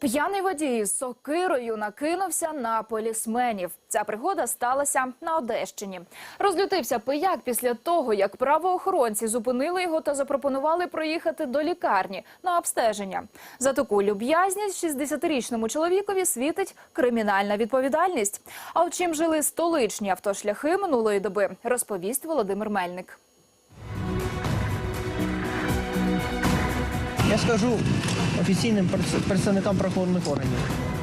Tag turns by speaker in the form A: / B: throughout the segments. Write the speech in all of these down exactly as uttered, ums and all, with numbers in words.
A: П'яний водій з сокирою накинувся на полісменів. Ця пригода сталася на Одещині. Розлютився пияк після того, як правоохоронці зупинили його та запропонували проїхати до лікарні на обстеження. За таку люб'язність шістдесятирічному чоловікові світить кримінальна відповідальність. А от чим жили столичні автошляхи минулої доби, розповість Володимир Мельник.
B: Я скажу офіційним представникам правоохоронних органів.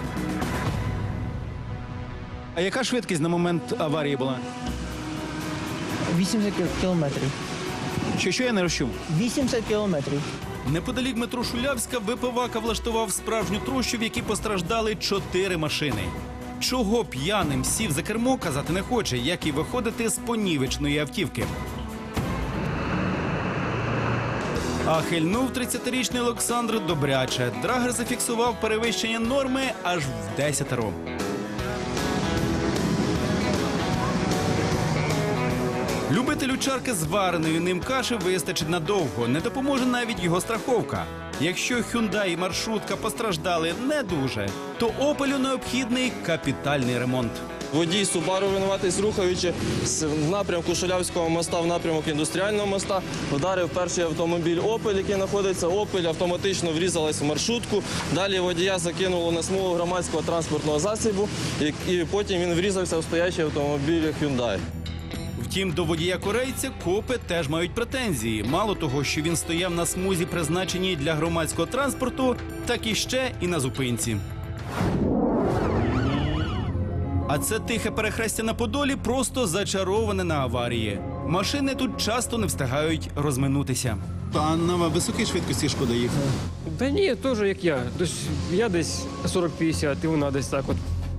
C: А яка швидкість на момент аварії була?
B: вісімдесят кілометрів.
C: Що, що я не розчув?
B: вісімдесят кілометрів.
C: Неподалік метро Шулявська випивака влаштував справжню трощу, в якій постраждали чотири машини. Чого п'яним сів за кермо, казати не хоче, як і виходити з понівечної автівки. А хильнув тридцятирічний Олександр добряче. Драгер зафіксував перевищення норми аж в десятеро. Любителю чарки з вареною ним каші вистачить надовго. Не допоможе навіть його страховка. Якщо Hyundai і маршрутка постраждали не дуже, то Opel'у необхідний капітальний ремонт.
D: Водій Субару винуватись, рухаючи з напрямку Шулявського моста в напрямок індустріального моста, вдарив перший автомобіль Opel, який знаходиться. Opel автоматично врізалась в маршрутку. Далі водія закинуло на смугу громадського транспортного засобу, і потім він врізався в стоячий автомобіль Hyundai.
C: Втім, до водія-корейця копи теж мають претензії. Мало того, що він стояв на смузі, призначеній для громадського транспорту, так і ще і на зупинці. А це тихе перехрестя на Подолі просто зачароване на аварії. Машини тут часто не встигають розминутися. А на високій швидкості шкода їхати?
E: Та ні, теж як я. Тож я десь сорок-п'ятдесят, і вона десь так от.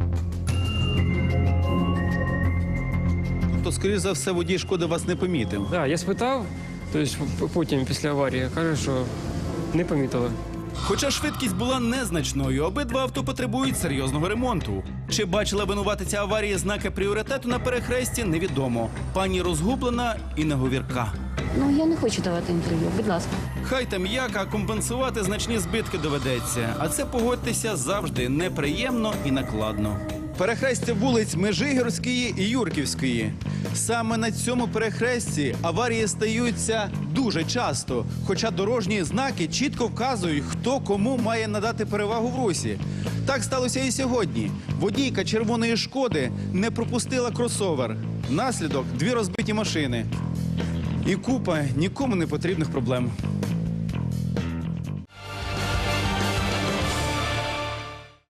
C: То, скоріш за все, водій шкоди вас не помітив.
E: Так, я спитав, тобто потім після аварії, каже, що не помітила.
C: Хоча швидкість була незначною, обидва авто потребують серйозного ремонту. Чи бачила винуватиця аварії знаки пріоритету на перехресті, невідомо. Пані розгублена і неговірка.
F: Ну, я не хочу давати інтерв'ю, будь ласка.
C: Хай там як, а компенсувати значні збитки доведеться. А це, погодьтеся, завжди неприємно і накладно. Перехрестя вулиць Межигірської і Юрківської. Саме на цьому перехресті аварії стаються дуже часто, хоча дорожні знаки чітко вказують, хто кому має надати перевагу в русі. Так сталося і сьогодні. Водійка червоної «Шкоди» не пропустила кросовер. Наслідок – дві розбиті машини. І купа нікому не потрібних проблем.